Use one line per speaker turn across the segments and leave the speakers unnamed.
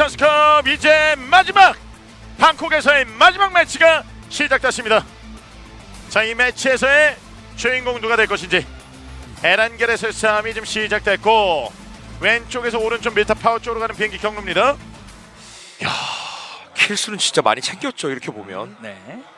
네이션스컵 이제 마지막 방콕에서의 마지막 매치가 시작됐습니다. 자, 이 매치에서의 주인공 누가 될 것인지 에란겔에서의 싸움이 지금 시작됐고 왼쪽에서 오른쪽 밀타 파워 쪽으로 가는 비행기 경로입니다.
킬수는 진짜 많이 챙겼죠 이렇게 보면.
네.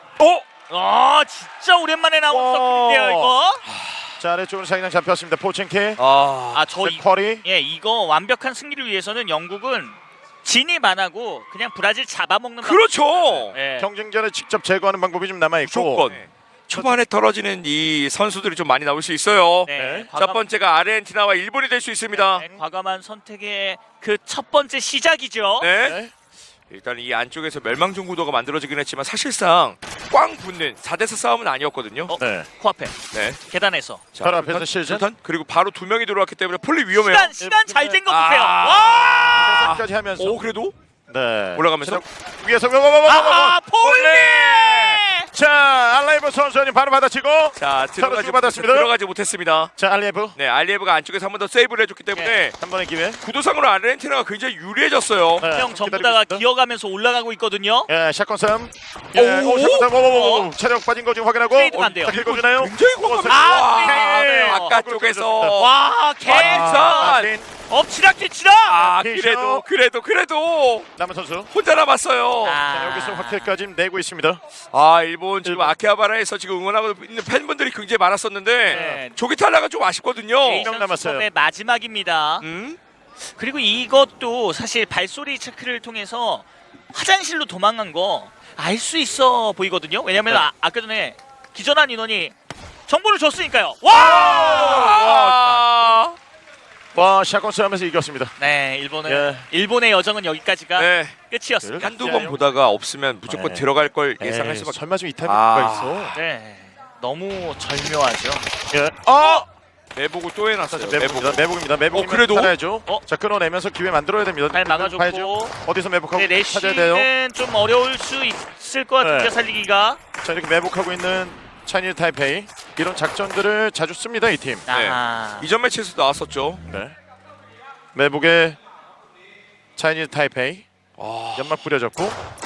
진짜 오랜만에 나온
와.
서클인데요 이거.
자, 아래쪽으로 사기장 잡혔습니다. 포첸키,
저
쿼리.
이거 완벽한 승리를 위해서는 영국은 진입 안 하고 그냥 브라질 잡아먹는
그렇죠.
예.
경쟁자를 직접 제거하는 방법이 좀 남아 있고.
무조건. 초반에 떨어지는 이 선수들이 좀 많이 나올 수 있어요.
네.
첫 번째가 아르헨티나와 일본이 될 수 있습니다.
네, 과감한 선택의 그 첫 번째 시작이죠.
네.
네.
일단 이 안쪽에서 멸망종 구도가 만들어지긴 했지만 사실상 꽝 붙는 4대4 싸움은 아니었거든요.
네.
코앞에
네.
계단에서
자,
바로 앞에서
일단
실전.
일단 그리고 바로 두 명이 들어왔기 때문에 폴리 위험해요.
시간 잘 된 거 보세요.
아.
와!
까지 하면서.
오 그래도
네.
올라가면서
위에서
폴리!
자, 알라이브 선수님 바로 받아치고.
자 들어가지
주고받았습니다.
들어가지 못했습니다.
자, 알라이브.
네 알리에브가 안쪽에서 한 번 더 세이브를 해줬기 때문에
한 번의 기회.
구도상으로 아르헨티나가 굉장히 유리해졌어요.
네,
형 전부
기다리고
다
있습니다.
기어가면서 올라가고 있거든요.
예, 샷건 싸움. 예,
오,
샷건 싸움. 체력 빠진 거 지금 확인하고.
트레이드가 안 돼요.
다 긁어주나요?
굉장히 공감해요.
네.
바깥쪽에서
와,
아,
엎치락 뒤치락.
그래도
남은 선수.
혼자 남았어요.
자, 여기서 확실까지 내고 있습니다.
일본 지금 아키하바라에서 지금 응원하고 있는 팬분들이 굉장히 많았었는데
네.
조기 탈락은 좀 아쉽거든요.
명 남았어요.
네이션스컵의 마지막입니다. 그리고 이것도 사실 발소리 체크를 통해서 화장실로 도망간 거 알 수 있어 보이거든요. 왜냐면
네.
아까 전에 기절한 인원이 정보를 줬으니까요.
와, 샷건 싸움에서 이겼습니다.
네, 일본은
예.
일본의 여정은 여기까지가
네.
끝이었습니다.
한두 번 보다가 없으면 무조건
네.
들어갈 걸 예상할
에이,
수밖에.
설마 좀 이 타이밍가 있어.
네, 너무 절묘하죠.
예.
내보고 또 해놨어요.
매복입니다. 매복입니다. 매복이면
그래도?
살아야죠.
어?
자, 끊어내면서 기회 만들어야 됩니다.
잘 막아줬고.
봐야죠. 어디서 매복하고
근데
찾아야 돼요.
내쉬는 좀 어려울 수 있을 것 같은데
네.
살리기가.
자, 이렇게 매복하고 있는 차이니즈 타이페이. 이런 작전들을 자주 씁니다, 이 팀.
이전 매치에서 나왔었죠.
네. 매복에 차이니즈 타이페이. 연막 뿌려졌고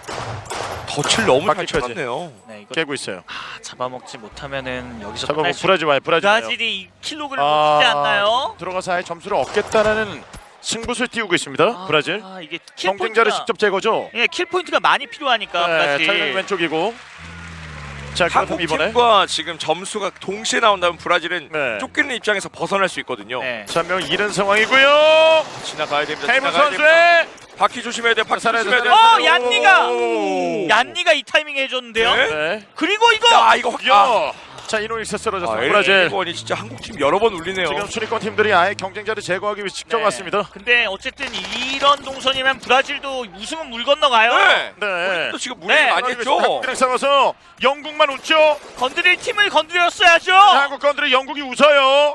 덫을 너무 잘
바퀴까지.
쳐놨네요.
네, 이거
깨고 있어요.
잡아먹지 못하면은 여기서
잠깐만,
끝날 수
브라질 와요. 브라질 와요.
브라질이 2킬로그를 놓치지 않나요?
들어가서 아예 점수를 얻겠다라는 승부수를 띄우고 있습니다. 브라질.
이게 킬
경쟁자를
포인트가,
직접 제거죠.
예, 킬 포인트가 많이 필요하니까
네,
브라질.
차이는 왼쪽이고. 자,
한국
그렇다면 이번에
팀과 지금 점수가 동시에 나온다면 브라질은
네.
쫓기는 입장에서 벗어날 수 있거든요.
네.
한 명 잃은 상황이고요.
지나가야 됩니다.
헤이문
지나가야 됩니다.
선수의
바퀴 조심해야 돼요. 바퀴
살아야
조심해야
돼,
돼요.
살아야 돼.
얀니가! 얀니가 이 타이밍에 해줬는데요.
네.
네.
그리고 이거!
야 이거
야. 자, 이노익스 쓰러졌습니다. 브라질.
일본이 진짜 한국 팀 여러 번 울리네요.
지금 순위권 팀들이 아예 경쟁자를 제거하기 위해 직접
네.
왔습니다.
근데 어쨌든 이런 동선이면 브라질도 우승은 물 건너가요.
네.
네.
또 지금 무리
네.
많이 했죠.
한국이랑 싸워서 영국만 웃죠.
건드릴 팀을 건드렸어야죠.
한국 건드려 영국이 웃어요.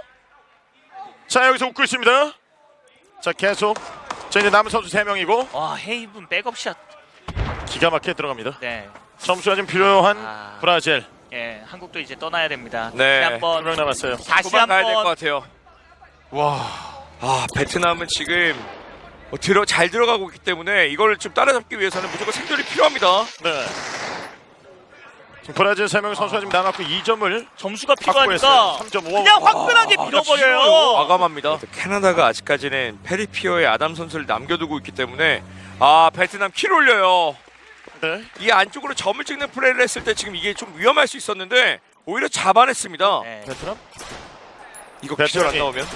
자, 여기서 웃고 있습니다. 자, 계속. 자, 이제 남은 선수 3명이고
와, 헤이븐 백업샷.
기가 막히게 들어갑니다.
네.
점수가 좀 필요한 브라질.
예, 한국도 이제 떠나야 됩니다.
네.
다시 한번
2명 남았어요.
다시
도망가야 될 것
한번
같아요.
와.
베트남은 지금 잘 들어가고 있기 때문에 이걸 좀 따라잡기 위해서는 무조건 생존이 필요합니다.
네. 지금 브라질 3명 선수가 지금 남았고 2점을
점수가
확보했어요.
필요하니까
3.5.
그냥 화끈하게 밀어버려요.
과감합니다. 캐나다가 아직까지는 페리피어의 아담 선수를 남겨두고 있기 때문에 베트남 킬 올려요.
네.
이 안쪽으로 점을 찍는 플레이를 했을 때 지금 이게 좀 위험할 수 있었는데 오히려 잡아냈습니다.
네.
베트남?
이거 기절 안
베트남이-
나오면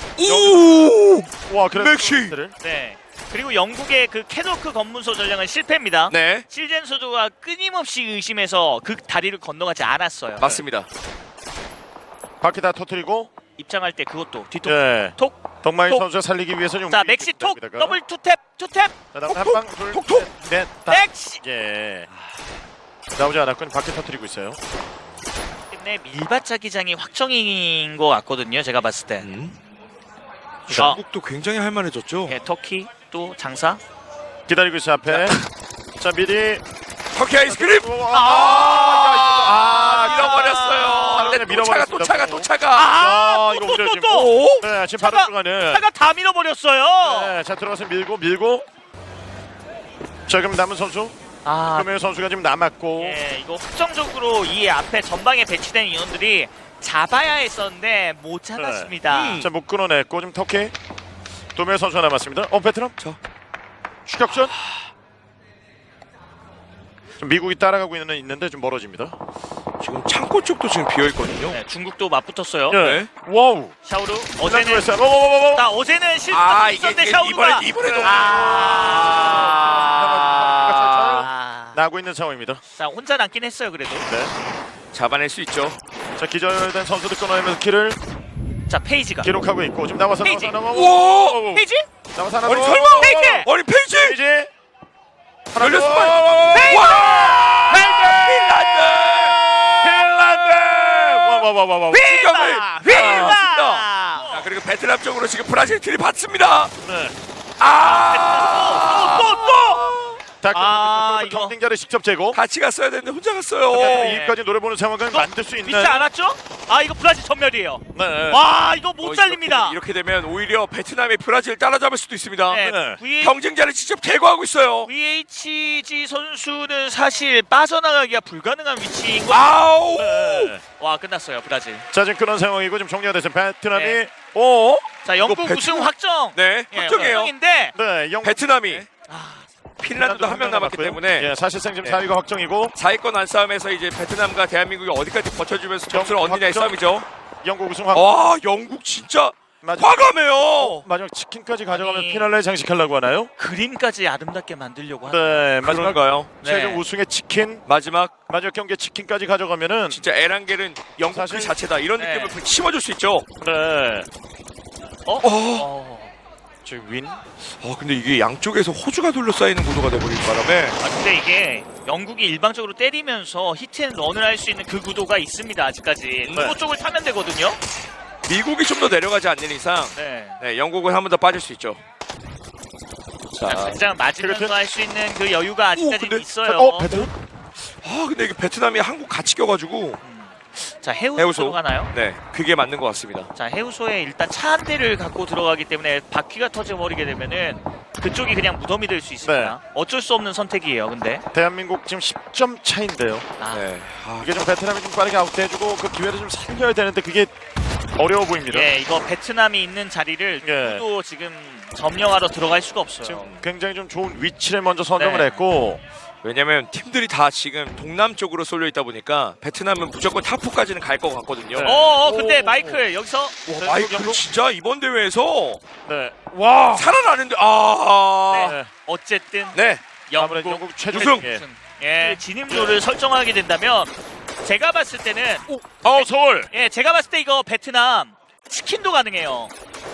와, 그래.
맥시!
네. 그리고 영국의 그 캐노크 검문소 전략은 실패입니다.
네
실젠 선수가 끊임없이 의심해서 그 다리를 건너가지 않았어요.
맞습니다.
바퀴 다 터뜨리고.
입장할 때 그것도 뒤통
네.
톡.
덕마이
톡.
선수 살리기 위해서 좀.
자, 맥시 톡 더블 투탭.
자, 다음 한방 둘,
톡.
셋, 넷, 다.
맥시.
예. 나오지 않았군. 바퀴 터뜨리고 있어요.
때문에 밀밭자기장이 확정인 것 같거든요. 제가 봤을 때.
중국도 굉장히 할만해졌죠.
예, 터키 또 장사.
기다리고 있어요 앞에. 자, 미리.
터키 아이스크림! 밀어버렸어요. 근데 또 차가.
이거 오히려 지금.
또.
네, 지금 바로
차가-
들어가는.
차가 다 밀어버렸어요.
네, 자 들어가서 밀고. 자 그럼 남은 선수
아,
금영 선수가 지금 남았고
예, 이거 확정적으로 이 앞에 전방에 배치된 인원들이 잡아야 했었는데 못 잡았습니다.
자 못 끊어냈고 지금 터키 두 명의 선수가 남았습니다. 베트남 추격전 좀 미국이 따라가고 있는데 좀 멀어집니다.
지금 창고 쪽도 지금 비어 있거든요.
네, 중국도 맞붙었어요.
네. 와우.
샤오루
어제는
어제는
오.
나 어제는 실수가 있었는데 샤오루가
이번에도
나고 있는 상황입니다.
자 혼자 남긴 했어요 그래도.
네.
잡아낼 수 있죠.
자 기절된 선수들 끊어내면서 키를
자 페이지가
기록하고 있고 지금 나와서
페이지.
우와!
페이지?
나와서 하나
아니
더.
설마!
페이지!
아니 페이지!
페이지 하나
열렸어,
더.
빨리.
페이지!
와! 핀란드!
와와와와.
휘바! 휘바!
자 그리고 베트남 쪽으로 지금 브라질 들이받습니다.
네.
아, 이거.
경쟁자를 직접 제거.
같이 갔어야 되는데 혼자 갔어요.
네.
이까지 노래 보는 상황을 만들 수 있는.
믿지 않았죠? 아 이거 브라질 전멸이에요.
네.
와 이거 못 살립니다.
이렇게 되면 오히려 베트남이 브라질 따라잡을 수도 있습니다.
네.
네.
경쟁자를 직접 제거하고 있어요.
VHG 선수는 사실 빠져나가기가 불가능한 위치인 거.
아우!
네.
와 끝났어요 브라질.
자 지금 그런 상황이고 지금 정리가 됐어요. 베트남이
네.
오.
자 영국
이거
우승
베트남-
확정.
네,
예,
확정이에요.
확정인데
네. 영.
베트남이
아,
핀란드도 한 명 남았기
남았고요.
때문에
예, 사실상 지금
네.
4위가 확정이고
4위권 안싸움에서 이제 베트남과 대한민국이 어디까지 버텨주면서 점수를 얻느냐의
확정.
싸움이죠.
영국 우승 확.
와, 영국 진짜 과감해요.
마지막 치킨까지 가져가면
아니.
피날레 장식하려고 하나요?
그림까지 아름답게 만들려고 하는.
네. 마지막
그런가요?
최종
네.
우승의 치킨.
마지막
마지막 경기에 치킨까지 가져가면은
진짜 에란겔은 영국
사실-
그 자체다 이런
네.
느낌을 심어줄 수 있죠.
네. 지금 윈.
근데 이게 양쪽에서 호주가 둘러싸이는 구도가 돼버릴 바람에
아 근데 이게 영국이 일방적으로 때리면서 히트앤런을 할 수 있는 그 구도가 있습니다 아직까지. 그거 쪽을 타면 되거든요.
미국이 좀 더 내려가지 않는 이상
네.
네, 영국은 한 번 더 빠질 수 있죠. 자,
당장 맞으면서
그렇죠.
할 수 있는 그 여유가 아직까지
근데-
있어요.
베트남?
근데 이게 베트남이 한국 같이 껴가지고
자 해우소
해우소.
가나요?
네, 그게 맞는 것 같습니다.
자 해우소에 일단 차 한 대를 갖고 들어가기 때문에 바퀴가 터져버리게 되면은 그쪽이 그냥 무덤이 될 수 있습니다. 어쩔 수 없는 선택이에요. 근데
대한민국 지금 10점 차인데요.
네,
이게 좀 베트남이 좀 빠르게 아웃돼주고 그 기회를 좀 살려야 되는데 그게 어려워 보입니다.
예 이거 베트남이 있는 자리를
예.
누구도 지금 점령하러 들어갈 수가 없어요.
지금 굉장히 좀 좋은 위치를 먼저 선점을
네.
했고
왜냐면 팀들이 다 지금 동남 쪽으로 쏠려 있다 보니까 베트남은 무조건 탑4까지는 갈 것 같거든요.
네.
근데
오.
마이클 여기서
와, 마이클 진짜 이번 대회에서
네. 와.
살아나는데
네.
어쨌든
네.
아무래도
영국
영국 최종
우승.
예.
예 진입로를 설정하게 된다면 제가 봤을 때는
서울.
예 제가 봤을 때 이거 베트남 치킨도 가능해요.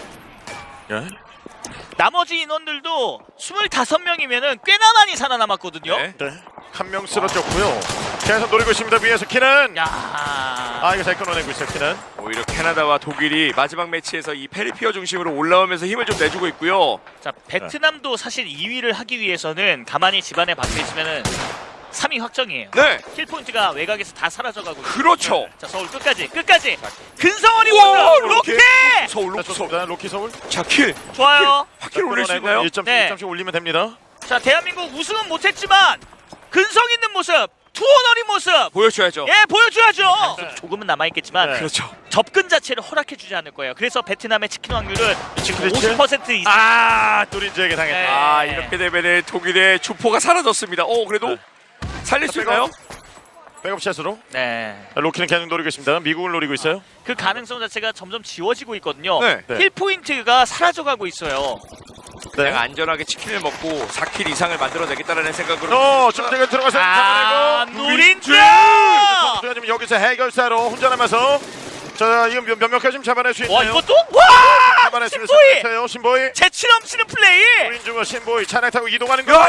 예?
나머지 인원들도 25명이면은 꽤나 많이 살아남았거든요.
네.
네. 한 명 쓰러졌고요. 계속 노리고 있습니다. 위에서 키는.
야.
이거 잘 끊어내고 있어요. 키는.
오히려 캐나다와 독일이 마지막 매치에서 이 페리피어 중심으로 올라오면서 힘을 좀 내주고 있고요.
자 베트남도 사실 2위를 하기 위해서는 가만히 집안에 박혀 있으면은 3위 확정이에요.
네,
킬 포인트가 외곽에서 다 사라져가고 있어요.
그렇죠.
자 서울 끝까지 근성원이
우와,
오다 로켓
서울,
자,
로키 서울.
좋습니다. 로키 서울.
자, 킬.
좋아요.
바퀴를 올릴 수 있나요?
1점씩
네.
1점씩 올리면 됩니다.
자 대한민국 우승은 못했지만 근성 있는 모습, 투어너리 모습
보여줘야죠.
예 보여줘야죠.
네.
조금은 남아있겠지만
네.
그렇죠.
접근 자체를 허락해주지 않을 거예요. 그래서 베트남의 치킨 확률은 지금
그렇지?
50% 이상.
뚜린즈에게 당했다.
네.
아, 이렇게 되면은 독일의 주포가 사라졌습니다. 그래도
네.
살릴 수 있나요?
백업샷으로.
네.
로키는 계속 노리고 있습니다. 미국을 노리고 있어요.
그 가능성 자체가 점점 지워지고 있거든요.
네.
네.
힐 포인트가 사라져가고 있어요.
내가 안전하게 치킨을 먹고 4킬 이상을 만들어내겠다라는 생각으로.
중대가 들어가서
아,
잡아내고.
누린즈!
선수가 지금 여기서 해결사로 혼자 남아서 자, 이거 몇 명까지 좀 잡아낼 수 있나요?
와 이것도? 와!
잡아냈습니다.
신보이!
신보이.
재치 넘치는 플레이!
노린즈와 신보이 차량 타고 이동하는 거.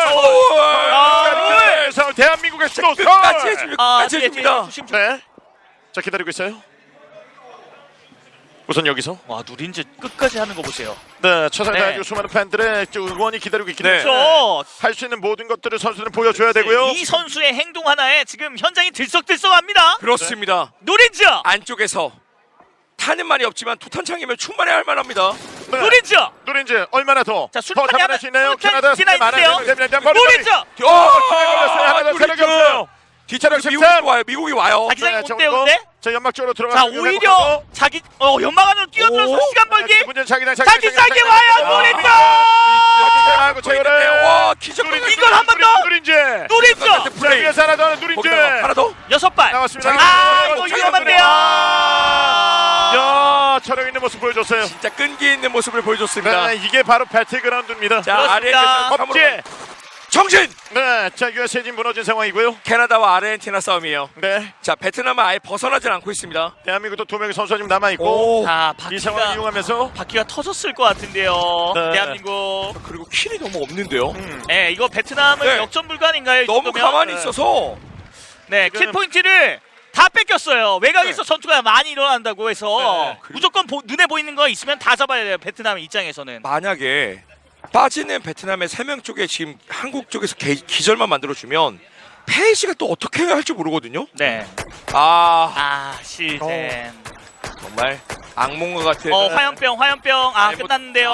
아,
그래서 대한민국의 수도
끝까지 해줍니다.
아,
끝까지 해줍니다.
조심.
네. 자, 기다리고 있어요. 우선 여기서
와 누린즈 끝까지 하는 거 보세요.
네, 최선을
네.
다해주고 수많은 팬들의 응원이 기다리고 있기
네.
때문에
그렇죠.
할 수 있는 모든 것들을 선수들은 보여줘야 되고요.
이 선수의 행동 하나에 지금 현장이 들썩들썩합니다.
그렇습니다.
누린즈!
안쪽에서 타는 말이 없지만 투탄창이면 충분히 할 만합니다.
네.
노린즈.
누린지 얼마나 더
술탄이
잡아낼
하나-
수 있나요?
술탄
캐나다
지나
많아요.
있는데요.
머리
노린즈.
걸렸어요. 하나 더 체력이 없어요.
뒤차량
체력
미국이
13.
와요. 미국이 와요.
자기장이
네,
못
자,
때우는데.
자 연막 쪽으로 들어가.
자 오히려 자기 연막 안으로 뛰어들어서
오.
시간 벌기.
문제 자기장
자기 싸게 와요 노린즈.
하고 제거를.
와 기적.
이걸 한번 더.
누린지.
노린즈.
자 위에서 하나 더 누린지.
거기다가 하나 더.
6발.
나왔습니다.
이거 위험한데요.
야 체력 있는 모습 보여줬어요.
진짜 끈기 있는 모습을 보여줬습니다.
네, 이게 바로 배틀그라운드입니다.
자
그렇습니다.
아르헨티나
법제.
정신.
네, 자 USA 진 무너진 상황이고요.
캐나다와 아르헨티나 싸움이에요.
네,
자 베트남은 아예 벗어나질 않고 있습니다.
대한민국도 2명의 선수가 지금 남아 있고
자
이 상황을
바퀴가
이용하면서
터졌을 것 같은데요.
네.
대한민국.
그리고 킬이 너무 없는데요.
네, 이거 베트남은
네.
역전 불가인가요? 이
너무
정도면?
가만히
네.
있어서
네,
지금-
킬 포인트를 다 뺏겼어요. 외곽에서 전투가 많이 일어난다고 해서
네.
무조건 눈에 보이는 거 있으면 다 잡아야 돼요. 베트남 입장에서는.
만약에 빠지는 베트남의 3명 쪽에 지금 한국 쪽에서 기절만 만들어주면 페이지가 또 어떻게 해야 할지 모르거든요.
네.
아
실젠.
정말 악몽과 같은.
화염병.
네,
끝났는데요.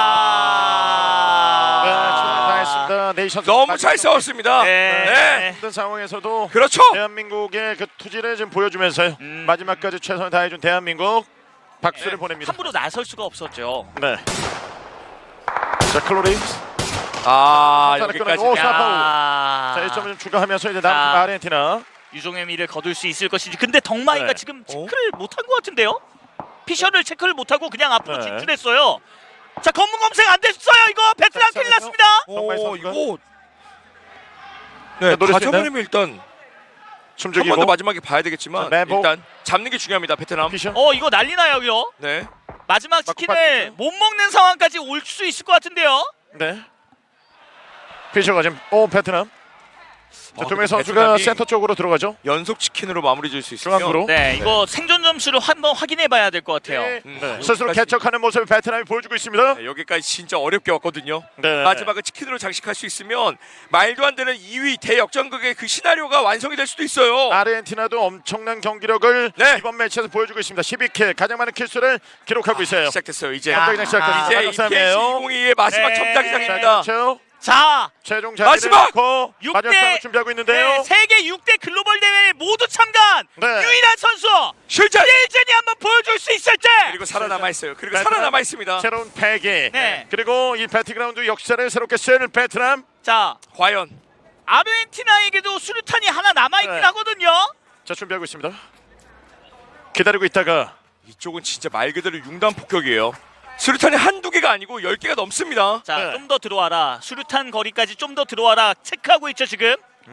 네, 다 했습니다. 네이션스
너무 잘 싸웠습니다.
네.
힘든 상황에서도
그렇죠.
대한민국의 그 투지를 지금 보여주면서요.
음.
마지막까지 최선을 다해준 대한민국 박수를 보냅니다.
함부로 나설 수가 없었죠.
네. 자 클로리.
여기까지.
오, 스나파우.
야.
자 1점을 좀 추가하면서 이제 남은
자.
아르헨티나.
유종의 미를 거둘 수 있을 것인지. 근데 덕마이가
네.
지금 체크를 못한 것 같은데요. 피셔를 체크를 못하고 그냥 앞으로
네.
진출했어요. 자 검문 검색 안 됐어요. 이거 베트남
자,
큰일 났습니다.
정말
오
선수가?
이거.
자,
네
노릴 수
가져버리면 일단 한
숨죽이고
번 더 마지막에 봐야 되겠지만
자, 매복.
일단 잡는 게 중요합니다. 베트남.
피셔.
이거 난리 나요, 이거.
네.
마지막
맞고
치킨을 못 먹는 상황까지 올 수 있을 것 같은데요.
네. 피셔가 지금 베트남. 자, 두 명의 선수가
베트남이
센터 쪽으로 들어가죠.
연속 치킨으로 마무리 지을 수 있으면
중앙으로.
네, 이거 생존 점수를 한번 확인해 봐야 될 것 같아요.
네.
네.
스스로
여기까지.
개척하는 모습을 베트남이 보여주고 있습니다.
네, 여기까지 진짜 어렵게 왔거든요.
네.
마지막은 치킨으로 장식할 수 있으면 말도 안 되는 2위 대역전극의 그 시나리오가 완성이 될 수도 있어요.
아르헨티나도 엄청난 경기력을
네.
이번 매치에서 보여주고 있습니다. 12킬 가장 많은 킬수를 기록하고 있어요.
시작됐어요. 이제
야.
경기장 시작합니다.
이제
마지막
EPS
싸움이에요.
2022의 마지막
네.
점자기장입니다.
그렇죠.
자,
최종 자리를
마지막!
놓고
육
마지막
대-
싸움을 준비하고 있는데요.
네, 세계 6대 글로벌 대회에 모두 참가한
네.
유일한 선수
실전.
실젠이 한번 보여줄 수 있을지.
그리고 살아남아 있어요. 그리고
베트남.
살아남아 있습니다.
새로운 패기.
네.
그리고 이 배틀그라운드 역사를 새롭게 쓰는 베트남.
자,
과연
아르헨티나에게도 수류탄이 하나 남아 있긴
네.
하거든요.
자 준비하고 있습니다. 기다리고 있다가
이쪽은 진짜 말 그대로 융단 폭격이에요. 수류탄이 한두 개가 아니고 10개가 넘습니다.
자,
네.
좀 더 들어와라. 수류탄 거리까지 좀 더 들어와라. 체크하고 있죠 지금.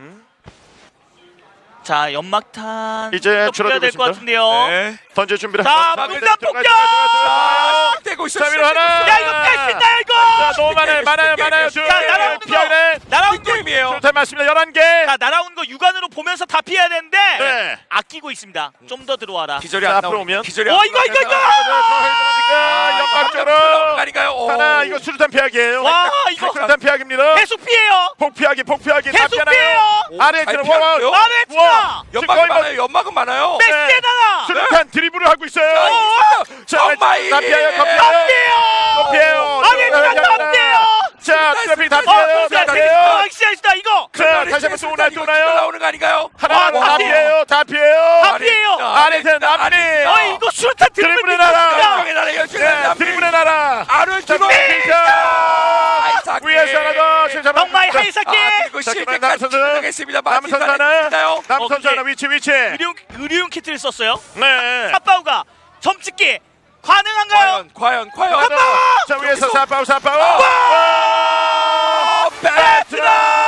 자, 연막탄
이제
또 뿌려야 될 것
줄어들고
같은데요.
네.
던질 준비를.
자,
하고
문단
들어가,
폭격!
들어가, 들어가, 들어가.
시작되고 있어요.
자 위로 하나.
야, 이거 뺄 수 있나요 이거?
자 너무 많아요.
자, 날아오는 거.
피하네.
날아온 거.
게임이에요.
수류탄 맞습니다. 11개.
자, 날아오는 거 육안으로 보면서 다 피해야 되는데
네.
아끼고 있습니다. 좀 더 들어와라.
기절이
자,
안
앞으로
나오면
오면.
기절이
어,
안
이거.
연막으로.
아닌가요?
하나 이거 수류탄 피하기예요.
와, 이거
수류탄 피하기입니다.
계속 피해요.
폭피하기 다
계속
피하나요?
피해요.
아르헨티나
잘 피하는데요?
와.
아르헨티나.
연막은 많아요. 연막은 많아요.
메시에다가.
수류탄 드리블을 하고 있어요. 자,
정말
다 피해요. 다
다
피해요.
피해요. 아르헨티나 다 피해요.
자, 트래픽 다 피해요. 다 피해요.
시작이다 이거.
자, 다시 한번 또
이거
나요.
나오는 거 아닌가요?
하나
다
다 피해요. 다 피해요.
다 피해요.
아르헨티나 남미.
이거 수류탄
드리블의
드리블
나라.
열정의 나라, 열정의
네,
나라.
드리블의 나라.
아르헨티나.
자, 위에서 하나 더.
정말 하이사키.
그리고
자,
실제까지
남은 선수.
진행하겠습니다.
남은 선수 하나. 남은 선수
오케이.
하나 위치.
의료용 키트를 썼어요.
네.
사파우가 점찍기 가능한가요?
과연.
자, 위에서 사파우.
베트남.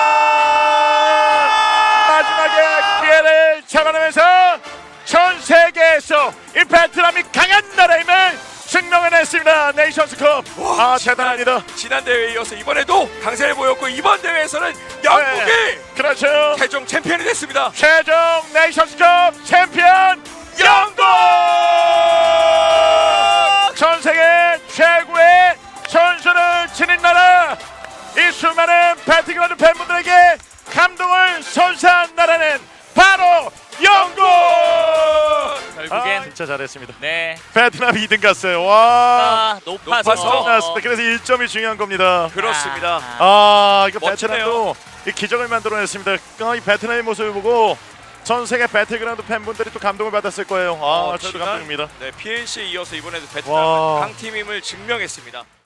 마지막에 기회를 잡아내면서 전 세계에서 이 베트남이 강한 나라임을 증명해냈습니다. 네이션스컵. 대단합니다.
지난 대회에 이어서 이번에도 강세를 보였고 이번 대회에서는 영국이
그렇죠.
최종 챔피언이 됐습니다.
최종 네이션스컵 챔피언 영국. 전 세계 최고의 선수를 지닌 나라. 이 수많은 배틀그라운드 팬분들에게 감동을 선사한 나라는 바로 영국.
결국엔
진짜 잘했습니다.
네.
베트남 2등 갔어요. 와.
높아서.
높아서.
나왔습니다. 그래서 1점이 중요한 겁니다.
그렇습니다.
이거
멋지네요.
베트남도 이 기적을 만들어냈습니다. 이 베트남의 모습을 보고 전 세계 배틀그라운드 팬분들이 또 감동을 받았을 거예요. 저도
지난,
감동입니다.
네, PNC에 이어서 이번에도
와.
베트남 강팀임을 증명했습니다.